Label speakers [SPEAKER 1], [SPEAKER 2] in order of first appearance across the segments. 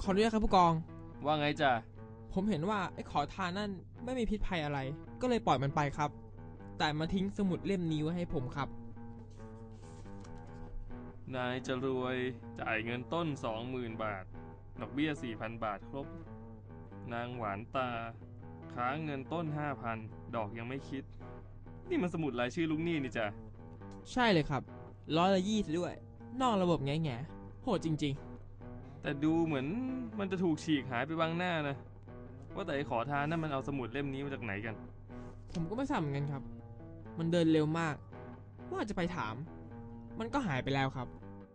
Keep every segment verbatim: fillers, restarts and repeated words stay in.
[SPEAKER 1] ออนุญาตครับผู้กอง
[SPEAKER 2] ว่าไงจ้ะ
[SPEAKER 1] ผมเห็นว่าไอ้ขอทานนั่นไม่มีพิษภัยอะไรก็เลยปล่อยมันไปครับแต่มาทิ้งสมุดเล่มนี้ไว้ให้ผมครับ
[SPEAKER 2] นายจะรวยจ่ายเงินต้น สองหมื่น บาทดอกเบี้ย สี่พัน บาทครบนางหวานตาค้างเงินต้น ห้าพัน ดอกยังไม่คิดนี่มันสมุดรายชื่อลูกหนี้นี่จ้ะ
[SPEAKER 1] ใช่เลยครับร้อยละยี่สิบด้วยนอกระบบแง่แง่โหดจริง
[SPEAKER 2] ๆแต่ดูเหมือนมันจะถูกฉีกหายไปบางหน้านะว่าแต่ไอ้ขอทานนั่นมันเอาสมุดเล่มนี้มาจากไหนกัน
[SPEAKER 1] ผมก็ไม่ทราบเหมือนกันครับมันเดินเร็วมากว่าจะไปถามมันก็หายไปแล้วครับ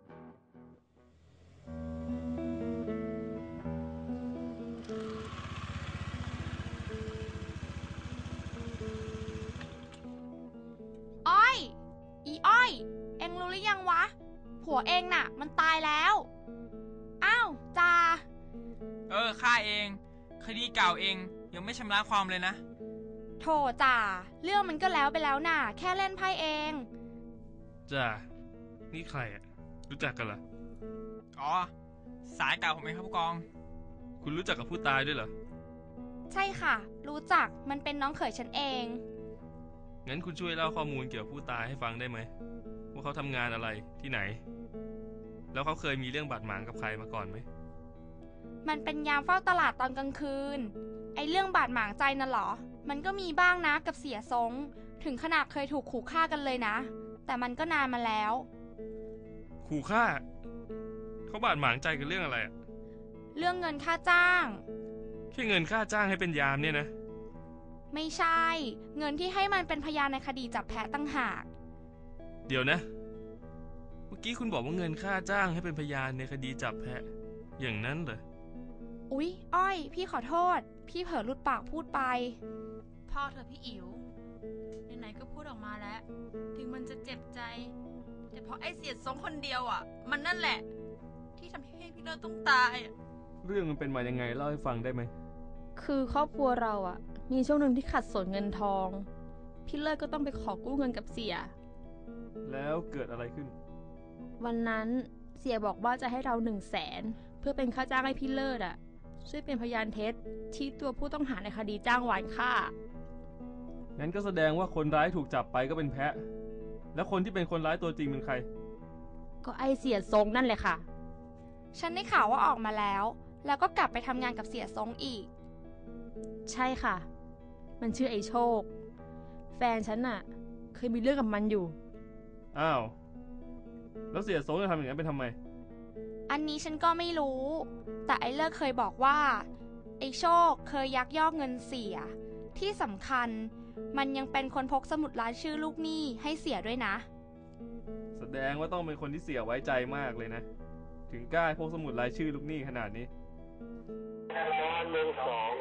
[SPEAKER 3] อ้อยอีอ้อยเอ็งรู้หรือยังวะผัวเองน่ะมันตายแล้วอ้าวจ่า
[SPEAKER 4] เออข้าเองคดีเก่าเองยังไม่ชำระความเลยนะ
[SPEAKER 3] โธ่จ่าเรื่องมันก็แล้วไปแล้วน่ะแค่เล่นไพ่เอง
[SPEAKER 2] จ่านี่ใครอ่ะรู้จักกันเหรอ
[SPEAKER 4] อ๋อสายเก่าผมเองครับผู้กอง
[SPEAKER 2] คุณรู้จักกับผู้ตายด้วยเหรอ
[SPEAKER 3] ใช่ค่ะรู้จักมันเป็นน้องเขยฉันเอง
[SPEAKER 2] งั้นคุณช่วยเล่าข้อมูลเกี่ยวกับผู้ตายให้ฟังได้ไหมว่าเขาทำงานอะไรที่ไหนแล้วเขาเคยมีเรื่องบาดหมางกับใครมาก่อนไหม
[SPEAKER 3] มันเป็นยามเฝ้าตลาดตอนกลางคืนไอ้เรื่องบาดหมางใจน่ะหรอมันก็มีบ้างนะกับเสียทรงถึงขนาดเคยถูกขู่ฆ่ากันเลยนะแต่มันก็นานมาแล้ว
[SPEAKER 2] ขู่ฆ่าเขาบาดหมางใจกันเรื่องอะไรอะ
[SPEAKER 3] เรื่องเงินค่าจ้าง
[SPEAKER 2] แค่เงินค่าจ้างให้เป็นยามเนี่ยนะ
[SPEAKER 3] ไม่ใช่เงินที่ให้มันเป็นพยานในคดีจับแพะตั้งหาก
[SPEAKER 2] เดี๋ยวนะเมื่อกี้คุณบอกว่าเงินค่าจ้างให้เป็นพยานในคดีจับแพะอย่างนั้นเหรอ
[SPEAKER 3] อุ๊ยอ้อยพี่ขอโทษพี่เผลอหลุดปากพูดไป
[SPEAKER 5] พ่อเธอพี่อิ๋วไหนๆก็พูดออกมาแล้วถึงมันจะเจ็บใจแต่เพราะไอ้เสียดสองคนเดียวอ่ะมันนั่นแหละที่ทำให้พี่เลิศต้องตาย
[SPEAKER 2] เรื่องมันเป็นมายังไงเล่าให้ฟังได้ไหม
[SPEAKER 6] คือครอบครัวเราอ่ะมีช่วงหนึ่งที่ขัดสนเงินทองพี่เลิศก็ต้องไปขอกู้เงินกับเสีย
[SPEAKER 2] แล้วเกิดอะไรขึ้น
[SPEAKER 6] วันนั้นเสียบอกว่าจะให้เราหนึ่งแสนเพื่อเป็นค่าจ้างให้พี่เลิศอ่ะช่วยเป็นพยานเท็จที่ตัวผู้ต้องหาในคดีจ้างวานฆ่า
[SPEAKER 2] งั้นก็แสดงว่าคนร้ายถูกจับไปก็เป็นแพะแล้วคนที่เป็นคนร้ายตัวจริงเป็นใคร
[SPEAKER 6] ก็ไอเสียทรงนั่นแหละค่ะ
[SPEAKER 3] ฉันได้ข่าวว่าออกมาแล้วแล้วก็กลับไปทำงานกับเสียทรงอีก
[SPEAKER 6] ใช่ค่ะมันชื่อไอโชคแฟนฉันน่ะเคยมีเรื่องกับมันอยู่
[SPEAKER 2] อ้าวแล้วเสียทรงจะทำอย่างนั้นเป็นทำไม
[SPEAKER 3] อันนี้ฉันก็ไม่รู้แต่ไอเลิกเคยบอกว่าไอโชคเคยยักยอกเงินเสียที่สำคัญมันยังเป็นคนพกสมุดรายชื่อลูกหนี้ให้เสียด้วยนะ
[SPEAKER 2] แสดงว่าต้องเป็นคนที่เสียไว้ใจมากเลยนะถึงกล้าพกสมุดรายชื่อลูกหนี้ขนาดนี้นอนหนึ่งสอง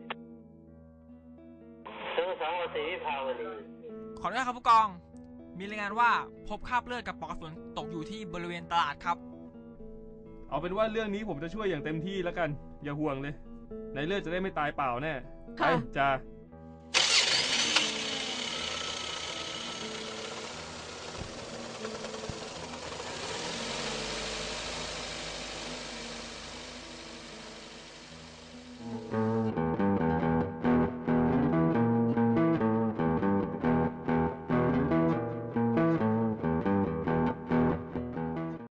[SPEAKER 4] เจอสองวสีภาวดีขออนุญาตครับผู้กองมีรายงานว่าพบคราบเลือดกับปลอกกระสุนตกอยู่ที่บริเวณตลาดครับ
[SPEAKER 2] เอาเป็นว่าเรื่องนี้ผมจะช่วยอย่างเต็มที่แล้วกันอย่าห่วงเลยในเลือดจะได้ไม่ตายเปล่าแน่ไปจ้า